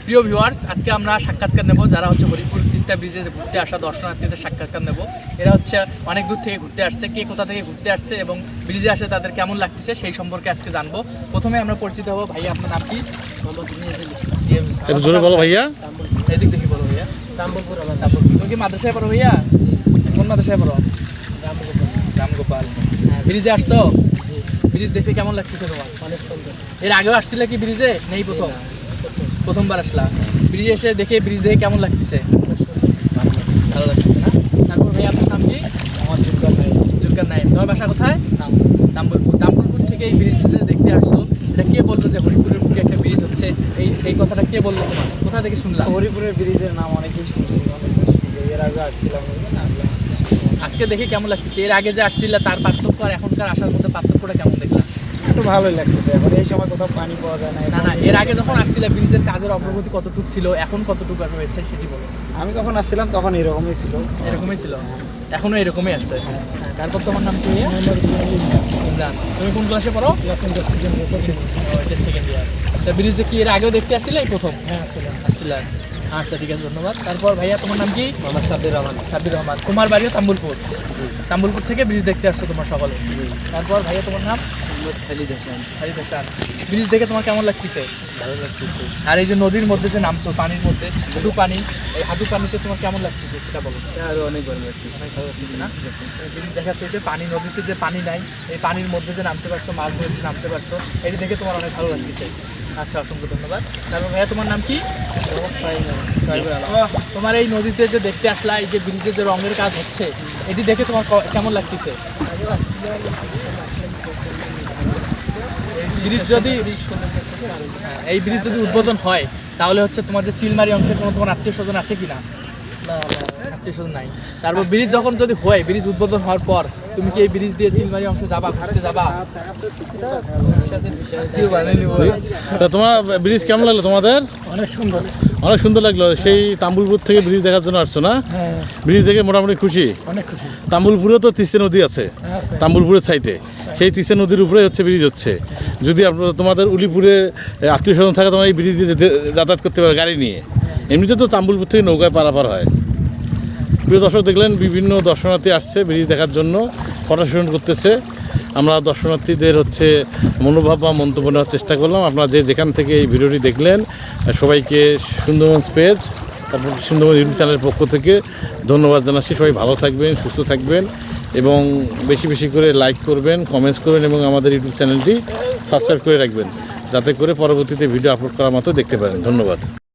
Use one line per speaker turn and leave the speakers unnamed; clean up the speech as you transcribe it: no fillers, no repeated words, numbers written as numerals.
প্রিয় ভিউয়ার্স, আজকে আমরা সাক্ষাৎকার নেব যারা হচ্ছে হরিপুর তিস্তা ব্রিজে ঘুরতে আসা দর্শনার্থীদের সাক্ষাৎকার নেব। এরা হচ্ছে অনেক দূর থেকে ঘুরতে আসছে, কে কোথা থেকে ঘুরতে আসছে এবং ব্রিজে আসে তাদের কেমন লাগতেছে সেই সম্পর্কে আজকে জানবো। প্রথমে আমরা পরিচিত হবো। ভাইয়া, আপনার নাম কি?
জোরে বলো ভাইয়া।
এদিক দেখি বলো ভাইয়া। তাম্বুলপুর। তুমি কি মাদ্রাসায় পড়ো ভাইয়া? কোন মাদ্রাসায় পড়ো? রামগোপাল। ব্রিজে আসছো? ব্রিজ দেখতে কেমন লাগতেছে তোমার?
অনেক সুন্দর।
এর আগেও আসছিলে কি ব্রিজে? নেই, প্রথমবার আসলা। ব্রিজে এসে দেখে ব্রিজ দেখে কেমন লাগতেছে? ভালো লাগতেছে না? তারপর ভাই, আপনার নাম কি?
আমার জুলকার নাই।
জুলকার নাইম। তোমার বাসা কোথায়? তাম্বুলপুর। তাম্বুলপুর থেকে এই ব্রিজে দেখতে আসছো, এটা কে বললো যে হরিপুরের বুকে একটা ব্রিজ হচ্ছে? এই কথাটা কে বললো তোমার? কোথা থেকে শুনলাম?
হরিপুরের ব্রিজের নাম অনেকেই শুনছি, এর আগে আসছিলাম, আসলাম।
আজকে দেখে কেমন লাগতেছে? এর আগে যে আসছিলে তার পার্থক্য আর এখনকার আসার মধ্যে পার্থক্যটা কেমন দেখলাম?
একটু ভালোই লাগতেছে। এখন এই সময় কোথাও পানি পাওয়া যায় না।
না, এর আগে যখন আসছিলে ব্রিজের কাজের অগ্রগতি কতটুকু ছিল, এখন কতটুকু হয়েছে সেটি বলো।
আমি যখন আসছিলাম তখন এরকমই ছিল।
এরকমই ছিল, এখনো এরকমই আসছে। তারপর তোমার নাম কি? ইমরান। তুমি কোন ক্লাসে পড়ো? Second year. তা ব্রিজে কি এর আগেও দেখতে আসছিলে? এই প্রথম?
হ্যাঁ,
আসছিলাম। আচ্ছা, ঠিক আছে, ধন্যবাদ। তারপর ভাইয়া, তোমার নাম কি?
আমার সাব্বির রহমান।
সাব্বির রহমান। তোমার বাড়িও তাম্বুলপুর? তাম্বুলপুর থেকে ব্রিজ দেখতে আসছো তোমার সকলে? তারপর ভাইয়া, তোমার নাম?
খালিদ হাসান।
খালিদ হাসান। ব্রিজ দেখে তোমার কেমন লাগতেছে?
ভালো লাগতেছে।
আর এই যে নদীর মধ্যে যে নামছো, পানির মধ্যে হাঁটু পানি, এই হাঁটু পানিতে তোমার কেমন লাগতেছে সেটা বলো।
আরো অনেক ভালো লাগতেছে।
ভালো লাগতেছে না? ব্রিজ দেখা যাচ্ছে এতে পানি, নদীতে যে পানি নাই, এই পানির মধ্যে যে নামতে পারছো, মাছ ধরতে নামতে পারছো, এটি দেখে তোমার অনেক ভালো লাগতেছে। আচ্ছা, অসংখ্য ধন্যবাদ। তারপর ভাইয়া, তোমার নাম কি? তোমার এই নদীতে যে দেখতে আসলা, এই যে ব্রিজে যে রঙের কাজ হচ্ছে, এটি দেখে তোমার কেমন লাগতেছে? এই ব্রিজ যদি উদ্বোধন হয় তাহলে হচ্ছে তোমার যে চিলমারি অংশে কোনো তোমার আত্মীয় স্বজন আছে কিনা? আত্মীয় স্বজন নাই। তারপর ব্রিজ যখন যদি হয়, ব্রিজ উদ্বোধন হওয়ার পর তুমি কি এই ব্রিজ দিয়ে চিলমারি অংশে যাবা, ঘুরতে যাবা?
তা তোমার ব্রিজ কেমন লাগলো তোমাদের?
অনেক সুন্দর।
অনেক সুন্দর লাগলো। সেই তাম্বুলপুর থেকে ব্রিজ দেখার জন্য আসছো না? ব্রিজ দেখে মোটামুটি খুশি?
অনেক খুশি।
তাম্বুলপুরে তো তিস্তা নদী আছে, তাম্বুলপুরের সাইডে। সেই তিস্তা নদীর উপরে হচ্ছে ব্রিজ হচ্ছে। যদি আপনার তোমাদের উলিপুরে আত্মীয় স্বজন থাকে, তোমার এই ব্রিজ দিয়ে যাতায়াত করতে পারে গাড়ি নিয়ে। এমনিতে তো তাম্বুলপুর থেকে নৌকায় পারাপার হয়। প্রিয় দর্শক, দেখলেন বিভিন্ন দর্শনার্থী আসছে ব্রিজ দেখার জন্য, ফটো সেশন করতেছে। আমরা দর্শনার্থীদের হচ্ছে মনোভাব বা মন্তব্য নেওয়ার চেষ্টা করলাম। আপনারা যেখান থেকে এই ভিডিওটি দেখলেন, সবাইকে সুন্দরবন পেজ, তারপর সুন্দরবন ইউটিউব চ্যানেলের পক্ষ থেকে ধন্যবাদ জানাচ্ছি। সবাই ভালো থাকবেন, সুস্থ থাকবেন এবং বেশি বেশি করে লাইক করবেন, কমেন্টস করবেন এবং আমাদের ইউটিউব চ্যানেলটি সাবস্ক্রাইব করে রাখবেন, যাতে করে পরবর্তীতে ভিডিও আপলোড করার মতো দেখতে পারেন। ধন্যবাদ।